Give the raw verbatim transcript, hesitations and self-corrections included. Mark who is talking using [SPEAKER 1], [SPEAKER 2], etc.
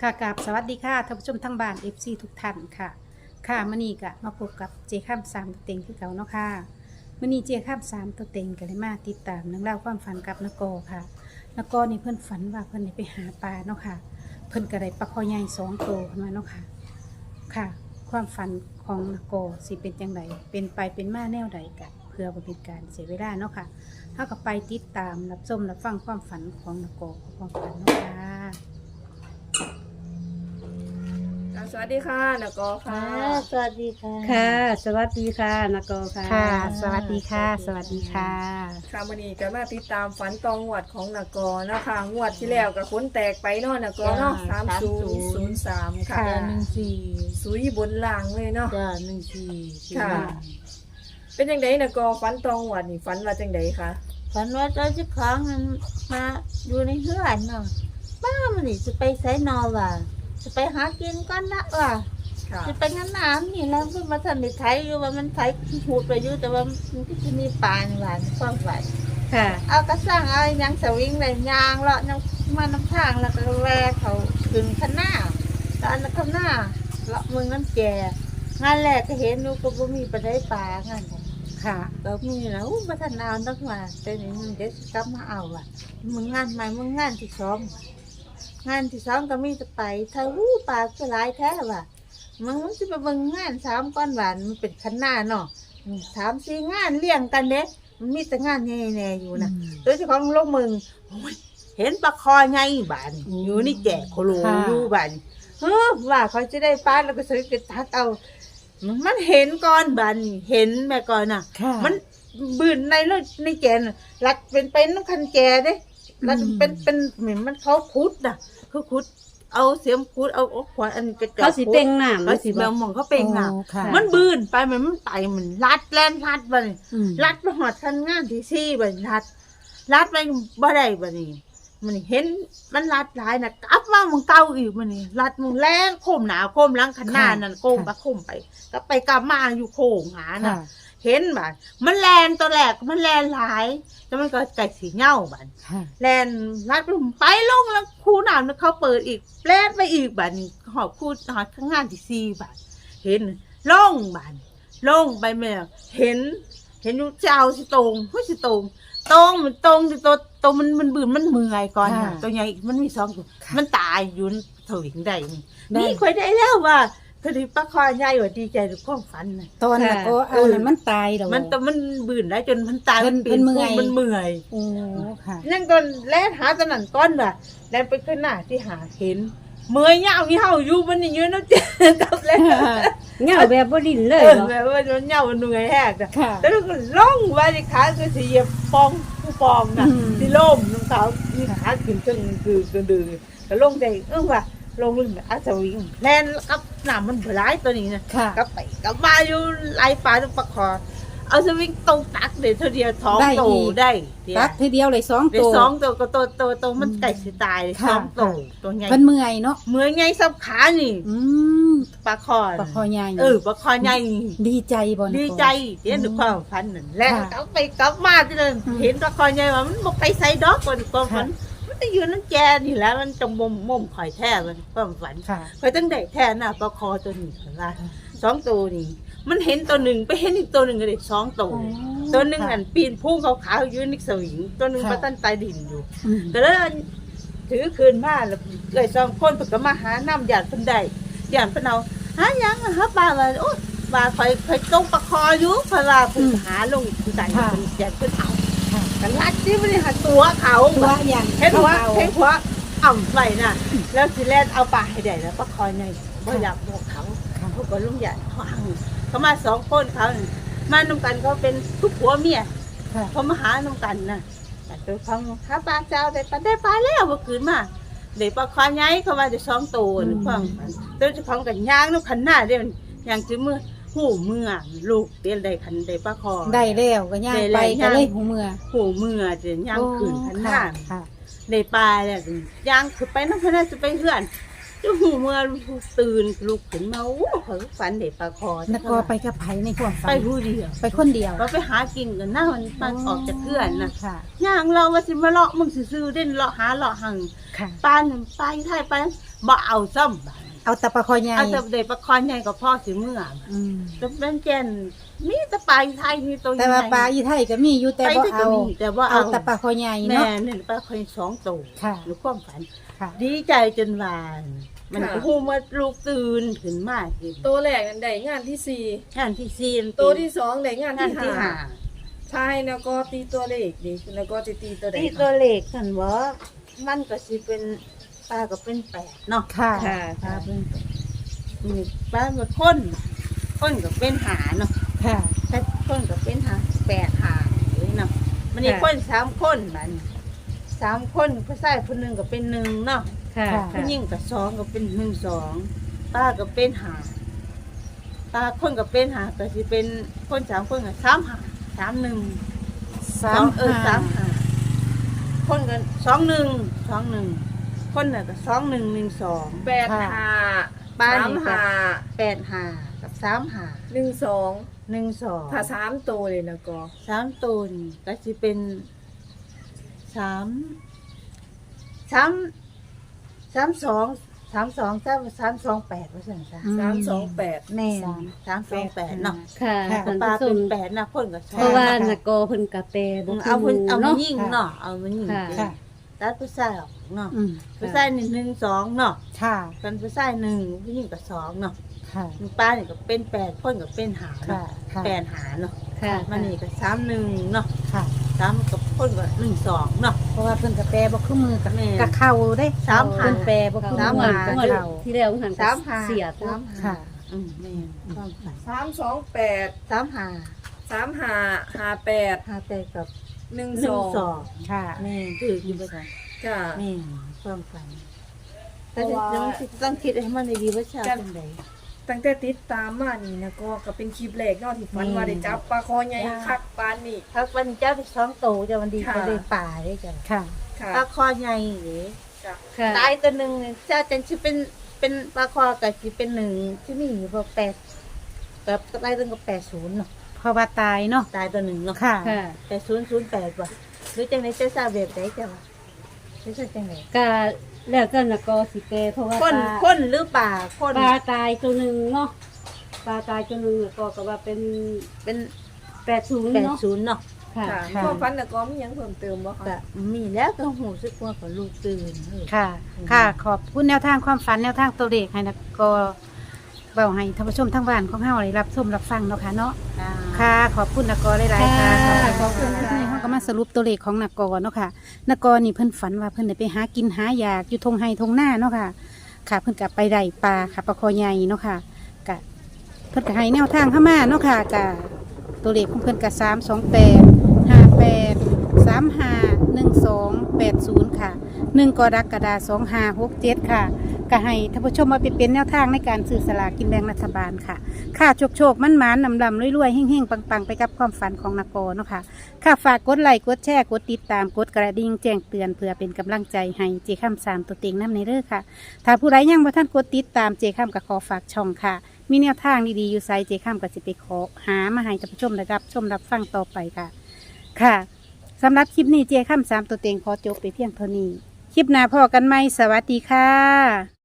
[SPEAKER 1] ค่ะกับสวัสดีค่ะท่านผู้ชมทั้งบ้าน เอฟ ซี ทุกท่านค่ะค่ะมื้อนี้ก็มาพบกับเจข้ามสามตัวเต็งคือเก่าเนาะค่ะมื้อนี้เจข้ามสามตัวเต็งก็เลยมาติดตามเรื่องราวความฝันกับนกอค่ะนกอนี่เพิ่นฝันว่าเพิ่นได้ไปหาปลาเนาะค่ะเพิ่นก็ได้ปลาคอใหญ่สองตัวขึ้นมาเนาะค่ะค่ะ ความฝันของนกอสิเป็นจังไดเป็นไปเป็นมาแนวใดกันเพื่อบ่เป็นการเสียเวลาเนาะค่ะเฮาก็ไปติดตามรับชมรับฟังความฝันของนกอความฝันเนาะค่ะ
[SPEAKER 2] สวัสดีค่ะนกอค่ะ
[SPEAKER 3] ค่ะสวัสดีค่ะ
[SPEAKER 1] ค่ะ สวัสดีค่ะนกอค่ะ ค่ะ สวัสดีค่ะ สวัสดีค่ะ
[SPEAKER 2] ค่ะวันนี้ก็มาติดตามฝันตองงวดของนกอนะคะงวดที่แล้วกับคนแตกไปเนาะนกอเนาะสามศูนย์ศูนย์สามค่ะ
[SPEAKER 1] ค่ะ
[SPEAKER 3] จ้าหนึ่งสี่
[SPEAKER 2] สุยบนล่างเลยเนาะ
[SPEAKER 3] จ้าหนึ่งสี่สี่
[SPEAKER 2] ค่ะ
[SPEAKER 3] ห้า
[SPEAKER 2] เป็นยังไงนกอฝันตองงวดนี่ฝันว่าจังไดคะ
[SPEAKER 3] ฝันว่าเจ้าเจ้าของมันมาอยู่ในเฮือนเนาะบ้ามันนี่จะไปไสนอว่ะจะไปหากินก้อนละว่ะ
[SPEAKER 2] ค่ะ
[SPEAKER 3] จะไปงั้นน้ำนี่แล้วเพิ่งมาทำในไทยอยู่ว่ามันไทยหูดไปอยู่แต่ว่ามันก็จะมีปลาในหวานความหวาน
[SPEAKER 1] ค่ะ
[SPEAKER 3] เอากระสร้างเอาหยังสวิงเลยยางเลาะน้ำมาน้ำทางแล้วก็แวะเขาขึ้นข้างหน้าตอนข้างหน้าเลาะเมืองน้ำแก่งานแรกก็เห็นนูก็บ่มีปลาได้ปลางานน่ะ
[SPEAKER 1] ค่ะ
[SPEAKER 3] ก็มีนะอู้พัฒนานักมาแต่นี่มึงเดี๋ยวสิกลับมาเอาอ่ะมึงงานใหม่มึงงานที่สองงานที่สองก็มีจะไปถ้าวู้ปลาก็หลายแท้ว่ะมึงจะไปเบิ่งงานสามก้อนหวานมันเป็นคันหน้าเนาะอืมสามสี่งานเลี้ยงกันเด้มันมีแต่งานแน่ๆอยู่นะโดยเฉพาะลงมึงโอ้ยเห็นปลาคอไงบานอยู่นี่แก่โคโลอยู่บานเฮ้อว่าเขาจะได้ปลาแล้วก็ซื้อไปทักเอามันมันเห็นก้อนบานเห็นแม่ก่อนน่ะ
[SPEAKER 1] ค่ะ
[SPEAKER 3] มันบืนในรถในแกนน่ะรัดเป็นเป็นน้ำคันแกเด้รัดเป็นเป็นเหมือนมันเขาคุดน่ะเขาคุดเอาเสียมคุดเอาเอาขวานอันกระจก
[SPEAKER 1] เขาสิเต็งน้ำ
[SPEAKER 3] เขาสิ
[SPEAKER 1] บ่
[SPEAKER 3] แมวมองเขาเป่งน่ะ
[SPEAKER 1] โอ้ค่ะ
[SPEAKER 3] มันบืนไปมันมันไตมันรัดแล่นรัดไป
[SPEAKER 1] อืม
[SPEAKER 3] รัดไปหอดคันงานที่ซี่ไปรัดรัดไปบ่ได้บ่นี่มันเห็นมันรัดหลายน่ะกลับมามึงเก่าอีกมันนี่รัดมึงแล่นโคมหนาโคมหลังคันหน้านั่นโคมไปโคมไปก็ไปกลับมาอยู่โค้งหาน่ะ
[SPEAKER 1] ค่ะ
[SPEAKER 3] เห็นบ้านมันแลนตัวแรกมันแลนหลายแล้วมันก็ไก่สีเหย้าบ้าน
[SPEAKER 1] ค่ะ
[SPEAKER 3] แลนรัดไปไปลงแล้วคูน้ำเขาเปิดอีกแลนไปอีกบ้านนี่หอบคูหอบข้างงานที่สี่บ้านเห็นลงบ้านลงไปแม่เห็น เห็นอยู่เจ้าสิตรงไม่สิตรงตรงมันตรงที่ตัวตัวมันมันบืนมันเมื่อยก่อนน่ะตัวใหญ่มันมีสองตัวมันตายอยู่ถวิงได้นี่นี่ค่อยได้แล้วว่าคดีปลาคอใหญ่ว่าดีใจทุกความฝันน่ะ
[SPEAKER 1] ตอนนั้นก็เอานั้นมันตายแล้ว
[SPEAKER 3] มันแต่มันบืนได้จนมันตาย
[SPEAKER 1] เพิ่น
[SPEAKER 3] ปลี่ย
[SPEAKER 1] เพิ่นเมื่อย
[SPEAKER 3] มันเมื่อย
[SPEAKER 1] โอ้ค่ะ
[SPEAKER 3] นั่นก็แล่นหาตะนั่นก้อนว่ะแล่นไปขึ้นหน้าที่หาเห็นเมื่อยเหงาเหี่ยวอยู่มันนี่ยืนแล้วเจ๊กับแล้ว
[SPEAKER 1] เงาแบบบ่ดิ้นเลย
[SPEAKER 3] เออ
[SPEAKER 1] เนาะ
[SPEAKER 3] แบบว่ามันเหงามันเหนื่อยแหกอะ
[SPEAKER 1] ค่ะ
[SPEAKER 3] แล้วก็ล่องไว้ที่ขาก็สิเหยียบปองผู้ปองน่ะ
[SPEAKER 1] อืม
[SPEAKER 3] ที่ล่มน้ำเขาที่ขาขึ้นจนคือกระดือก็ลงใจเออว่ะลงอาสวิงแล่นกับน้ำมันหลายตัวนี้นะ
[SPEAKER 1] ค่ะ
[SPEAKER 3] ก็ไปก็มาอยู่ไล่ปลาตรงปลาคอเอาสวิงตรงตักเดี๋ยวเท่าเดียวท้อง
[SPEAKER 1] ได้
[SPEAKER 3] โต
[SPEAKER 1] อีก
[SPEAKER 3] ได้เดี๋ยว
[SPEAKER 1] ตักทีเดียวเลยสอง
[SPEAKER 3] เดี๋ย
[SPEAKER 1] ตัว ว
[SPEAKER 3] สองตัวก็ตัวตัวตัวมันไก่สิตายเลย
[SPEAKER 1] ค่ะ
[SPEAKER 3] สองตัว
[SPEAKER 1] ค่ะ
[SPEAKER 3] ตัวใหญ่
[SPEAKER 1] เพิ่นเมื่อยเนาะ
[SPEAKER 3] เหมือนไงสับขานี่
[SPEAKER 1] อืม
[SPEAKER 3] ปลาคอ
[SPEAKER 1] ปลาคอใหญ่
[SPEAKER 3] เออปลาคอใหญ่
[SPEAKER 1] ดีใจบ่นะ
[SPEAKER 3] ดีใจเห็นด้วยความฝันนั่นแหละ
[SPEAKER 1] ค่ะ
[SPEAKER 3] กลับไปกลับมาที่นั่น
[SPEAKER 1] อืม
[SPEAKER 3] เห็นปลาคอใหญ่ว่ามันบอกไปใส่ดอกก่อนความฝัน
[SPEAKER 1] ค่ะ
[SPEAKER 3] มันจะอยู่นั่นแกนี่แหล้วมันจะมุมมุมข่อยแท้มันความฝัน
[SPEAKER 1] ค่ะ
[SPEAKER 3] ข่อยตั้งแต่แท้น่ะปลาคอตัวนี้เห็นป่ะสองตัวนี่มันเห็นตัวหนึ่งไปเห็นอีกตัวหนึ่งก็เลยสองตัว
[SPEAKER 1] อ๋อ
[SPEAKER 3] ตัวหนึ่ง
[SPEAKER 1] ค่ะ
[SPEAKER 3] อันปีนพุ่งขาวๆอยืนนิกสวิงตัวหนึ่ง
[SPEAKER 1] ค่ะ
[SPEAKER 3] มาตั้นใต้ดินอยู่
[SPEAKER 1] อืม
[SPEAKER 3] แต่แล้วถือคืนมาแล้วเลยสองคนเพิ่นก็มาหาน้ำหยาดเพิ่นได้หยาดเพิ่นเอาหาหยังอะหาปลาว่าโอ๊ยปลาข่อยข่อยตกปลาคออยู่เพราะว่าเพิ่นหาลงอีกคือได้เพิ่นหยาดเพิ่นเอา
[SPEAKER 1] ค่ะ
[SPEAKER 3] กันลัดที่บ่ได้หาตัวเขา
[SPEAKER 1] ตัวอย่าง
[SPEAKER 3] เห็นหัว
[SPEAKER 1] เอา
[SPEAKER 3] เห็นหัวอ่ำไว้น่ะแล้วสิแล่นเอาปลาให้ได้แล้วปลาคอใหญ่บ่อยากบอกเขา
[SPEAKER 1] ค่ะ
[SPEAKER 3] เขาก็ลงหยาดเขาเอาเขามาสองคนเขาน่ะมานำกันเขาเป็นทุกผัวเมีย
[SPEAKER 1] ค่ะ
[SPEAKER 3] เขามาหาน้ำกันนะแต่ตัวเขาหาปลาเจ้าได้ปลาได้ปลาแล้วเมื่อคืนมาเดี๋ยวปลาคอใหญ่เขาว่าจะสองตัวนึกฟังตัวเจ้าของกันย่างน้ำขันหน้าเดี๋ยวย่างจื้อมือหูเมื่อลูกเดี๋ยวได้ขันได้ปลาคอ
[SPEAKER 1] ได้แล้วก็ย่าง
[SPEAKER 3] ได้
[SPEAKER 1] ไป
[SPEAKER 3] แล้ว
[SPEAKER 1] ก็เลยหูเมื่อ
[SPEAKER 3] หูเมื่อจะย่างขืนขันหน้า
[SPEAKER 1] ค่ะ
[SPEAKER 3] ได้ปลาแล้วย่างคือไปน้ำขันหน้าจะไปเพื่อนจะหูเมื่อตื่นลุกขึ้นมาโอ้เขาฝันเด็กปลาคอน
[SPEAKER 1] กอไปกับไผในความฝั
[SPEAKER 3] ไป
[SPEAKER 1] น
[SPEAKER 3] ผู้เดียว
[SPEAKER 1] ไปคนเดียว
[SPEAKER 3] ก็ไปหากินกันหน้ามันมันออกจากเพื่อนนะ
[SPEAKER 1] ค่ะ
[SPEAKER 3] ย่างเราว่าสิมาเลาะมึงซื่อๆเด่นเลาะหาเลาะหัง
[SPEAKER 1] ค่ะ
[SPEAKER 3] ปานนไปไทยไปบ่เอาซ้ำบัด
[SPEAKER 1] เอาตะปะคอใหญ่
[SPEAKER 3] เอาแต่เด็กปลาคอนใหญ่กับพ่อสิเมื่อ
[SPEAKER 1] อืม
[SPEAKER 3] แต่เป็นแกนมีแต่ปลาไทยมีตัวใหญ่
[SPEAKER 1] แต่ว่าปลาอีไทยก็มีอยู่แต่
[SPEAKER 3] ไป
[SPEAKER 1] บ่
[SPEAKER 3] ที่ก็
[SPEAKER 1] เอา
[SPEAKER 3] มีแต่ว่า
[SPEAKER 1] เอา
[SPEAKER 3] เอา
[SPEAKER 1] ตะปะคอใหญ่
[SPEAKER 3] แม่
[SPEAKER 1] เนาะ
[SPEAKER 3] เนี่ยปลาคอนสองตัว
[SPEAKER 1] ค่ะ
[SPEAKER 3] หรือความฝัน
[SPEAKER 1] ค่ะ
[SPEAKER 3] ดีใจจนวานมันก็หูมาลูกตื่นขึ้นมาเห็น
[SPEAKER 2] ตัวแรกนั่นได้งานที่สี่
[SPEAKER 3] งานที่สี่
[SPEAKER 2] ตัวที่สองได้งาน
[SPEAKER 3] งาน
[SPEAKER 2] ที่
[SPEAKER 3] ที่
[SPEAKER 2] ห้า
[SPEAKER 3] ห้า
[SPEAKER 2] ใช่แล้วก็ตีตัวเลขดิแล้วก็จะตีตัวใด
[SPEAKER 3] ที่ตัวเลขกันว่ามันก็สิเป็นปลาก็เป็นแปดเนาะ
[SPEAKER 1] ค่ะ
[SPEAKER 2] ค่ะ
[SPEAKER 1] ค่ะ
[SPEAKER 3] มีปลาหมดคนคนก็เป็นหาเนาะ
[SPEAKER 1] ค่ะ
[SPEAKER 3] แต่คนก็เป็นหาแปดหาเลยเนาะมันนี่คนสามคนมันสามคนผู้ชายคนหนึ่งก็เป็นหนึ่งเนาะ
[SPEAKER 2] ค่ะ
[SPEAKER 3] ผู้หญิงก็สองก็เป็นหนึ่งสองป้าก็เป็นหาป้าคนก็เป็นหาก็สิเป็นคนสามคนก็สามหาสามหนึ่ง
[SPEAKER 1] สา
[SPEAKER 3] สอ
[SPEAKER 1] ม
[SPEAKER 3] งเออสามหาคนกันสองหนึ่งสองหนึ่งคนน่ะก็สองหนึ่งหนึ่งสอง
[SPEAKER 2] แปดห้า
[SPEAKER 3] บ้าน
[SPEAKER 2] สาม
[SPEAKER 3] นี่ก็
[SPEAKER 2] ห้า
[SPEAKER 3] แปดหากับสามหา
[SPEAKER 2] หนึ่งสอง
[SPEAKER 3] หนึ่งสอง
[SPEAKER 2] ถ้าสามตัวเลยนะก็
[SPEAKER 3] สามตูนก็จะเป็นสามสามสามสองสามสองสามสามสองแปดว่าสั่นจ้ะ
[SPEAKER 1] อืม
[SPEAKER 2] สามสองแปด
[SPEAKER 3] แม่
[SPEAKER 1] สาม
[SPEAKER 3] สามสองแปดเนาะ
[SPEAKER 4] ค่ะ
[SPEAKER 1] ค่ะ
[SPEAKER 4] ท่าน
[SPEAKER 3] ปลา
[SPEAKER 4] ผู้ช
[SPEAKER 3] เป็
[SPEAKER 4] ม
[SPEAKER 3] นแปดนะคนก็ชอบ
[SPEAKER 4] เพราะว่านักโกเพิ่นกะแปลบ่
[SPEAKER 3] เอา
[SPEAKER 4] คือห
[SPEAKER 3] เอา
[SPEAKER 4] มู่
[SPEAKER 3] มา
[SPEAKER 4] เนาะ
[SPEAKER 3] ยิงเนาะเอามายิง
[SPEAKER 4] ค่ะ
[SPEAKER 1] ค่ะ
[SPEAKER 3] ตัดผู้ชายออกเนาะ
[SPEAKER 1] อืม
[SPEAKER 3] ผู้ชายหนึ่งหนึ่งสองเนาะ
[SPEAKER 1] ค่ะ
[SPEAKER 3] เป็นผู้ชายหนึ่งผู้หญิงก็สองเนาะ
[SPEAKER 1] ค่ะ
[SPEAKER 3] ปลาเนี่ยก็เป็นแปดคนก็เป็นหา
[SPEAKER 1] ค่ะ
[SPEAKER 3] เนาะ
[SPEAKER 1] ค่ะ
[SPEAKER 3] แปดหาเนาะ
[SPEAKER 4] ค่ะ
[SPEAKER 3] มันนี่ก็สามหนึ่งเนาะ
[SPEAKER 1] ค่ะ
[SPEAKER 3] สามกับคนก็หนึ่งสองเนาะ
[SPEAKER 1] เพราะว่าเพิ่นกับแปรบ่คือมือกับ
[SPEAKER 3] แม่
[SPEAKER 1] กับเข่าได้
[SPEAKER 3] สามหา
[SPEAKER 1] เพิ่นแปรบ่คือ
[SPEAKER 4] สาม
[SPEAKER 1] มื
[SPEAKER 4] หา
[SPEAKER 1] อกับ
[SPEAKER 4] เมื่อ
[SPEAKER 1] เข่า
[SPEAKER 4] ที่แล้วหัน
[SPEAKER 3] สามหา
[SPEAKER 4] เสีย
[SPEAKER 3] สามหา
[SPEAKER 1] ค่ะ
[SPEAKER 3] อืมแม่ความฝัน
[SPEAKER 2] สามสองแปด
[SPEAKER 3] สามหา
[SPEAKER 2] สามห้าห้าแปด
[SPEAKER 3] หาแต่กับ
[SPEAKER 2] หนึ่ง
[SPEAKER 3] หนึ่
[SPEAKER 2] ส
[SPEAKER 3] ง
[SPEAKER 2] อง
[SPEAKER 3] สอง
[SPEAKER 1] ค่ะ
[SPEAKER 3] แม่คืออยู่บ่ได้
[SPEAKER 2] ค่ะ
[SPEAKER 3] แม่ความฝันแต่เดี๋ยวต้องคิดต้องคิดให้มันดีๆว่าชาเป็นได
[SPEAKER 2] ตั้งแต่ติดตามมานี่นะก็ก็เป็นคลิปแรกเนาะที่ฝัน
[SPEAKER 3] อืม
[SPEAKER 2] ว่าได้จับปลาคอใหญ่คักปานนี่
[SPEAKER 3] ถ้าวันเจ้าไปสองโตจะวันดี
[SPEAKER 2] ค่ะ
[SPEAKER 3] ไปเลยป่าได้จ้ะ
[SPEAKER 1] ค่ะ
[SPEAKER 2] ค่ะ
[SPEAKER 3] ปลาคอใหญ่หรือ
[SPEAKER 2] ค่ะ
[SPEAKER 4] ค่ะ
[SPEAKER 3] ตายตัวหนึ่งเนี่ยเจ้าจันชิเป็นเป็นปลาคอกับชิเป็นหนึ่งที่มีอยู่พอแปดกับตายตัวกับแปดศูนย์เนาะ
[SPEAKER 1] เพราะว่าตายเนาะ
[SPEAKER 3] ตายตัวหนึ่งเนาะ
[SPEAKER 1] ค่ะ
[SPEAKER 4] ค่ะ
[SPEAKER 3] แปดศูนย์ศูนย์แปดว่ะหรือจังไหนเจ้าทราบแบบไหนจ้ะวะไม่ใช่จังไหน
[SPEAKER 4] ก็แล้วแต่นักโกสิแปลเพราะว่า
[SPEAKER 3] คน
[SPEAKER 4] ปลา
[SPEAKER 3] คนหรือป่าคน
[SPEAKER 4] ปลาตายตัวหนึงเนาะปลาตายตัวหนึงแล้วก็ก็ว่าเป็น
[SPEAKER 3] เป็น
[SPEAKER 4] แปดศูนย์
[SPEAKER 3] แปด
[SPEAKER 4] เนาะ
[SPEAKER 3] ศูนย์เนาะ
[SPEAKER 4] ค่ะ
[SPEAKER 2] ค่ะ
[SPEAKER 1] ค่ะ
[SPEAKER 2] ความฝันนะก็มีหยังเพิ่มเติมบ่คะ
[SPEAKER 3] ก็มีแล้วก็หูสึกว่าของลูกตื่นเออ
[SPEAKER 1] ค่ะ ค่ะ ขอบคุณแนวทางความฝันแนวทางตัวเลขให้นะก็เบาให้ท่านผู้ชมทั้งบ้านของเฮาได้รับชมรับฟังเนาะค่ะเนาะ ค่ะ ขอบคุณนกรหลายๆค่ะ
[SPEAKER 4] ค่ะ
[SPEAKER 1] ขอบคุณนะที่เขาก็มาสรุปตัวเลขของนกรเนาะค่ะนกรนี่เพิ่นฝันว่าเพิ่นได้ไปหากินหายากอยู่ทงไห้ทงหน้าเนาะค่ะ ค่ะ เพิ่นกลับไปได้ปลาค่ะปลาคอใหญ่เนาะค่ะกะเพิ่นก็ให้แนวทางเข้ามาเนาะค่ะกะตัวเลขของเพิ่นกะสามสองแปดห้าแปดสามห้าหนึ่งสองแปดศูนย์ค่ะหนึ่งกรกฎาคมสองห้าหกเจ็ดค่ะก็ให้ท่านผู้ชมมาไปเป็นแนวทางในการซื้อสลากกินแบ่งรัฐบาลค่ะ ค่ะโชคโชคมันหมานนำลำรวยๆเฮ่งๆ ปังๆ ไปกับความฝันของนกเนาะค่ะค่ะฝากกดไลค์กดแชร์กดติดตามกดกระดิ่งแจ้งเตือนเพื่อเป็นกำลังใจให้เจข้ามสามตัวเต็งน้ำในเด้อค่ะ ถ้าผู้ใดยังบ่ท่านกดติดตามเจข้ามก็ขอฝากช่องค่ะ มีแนวทางดีๆอยู่ไซเจข้ามก็สิไปขอหามาให้ท่านผู้ชมได้รับชมรับฟังต่อไปค่ะ ค่ะสำหรับคลิปนี้เจข้ามสามตัวเต็งขอจบไปเพียงเท่านี้ คลิปหน้าพอกันไหมสวัสดีค่ะ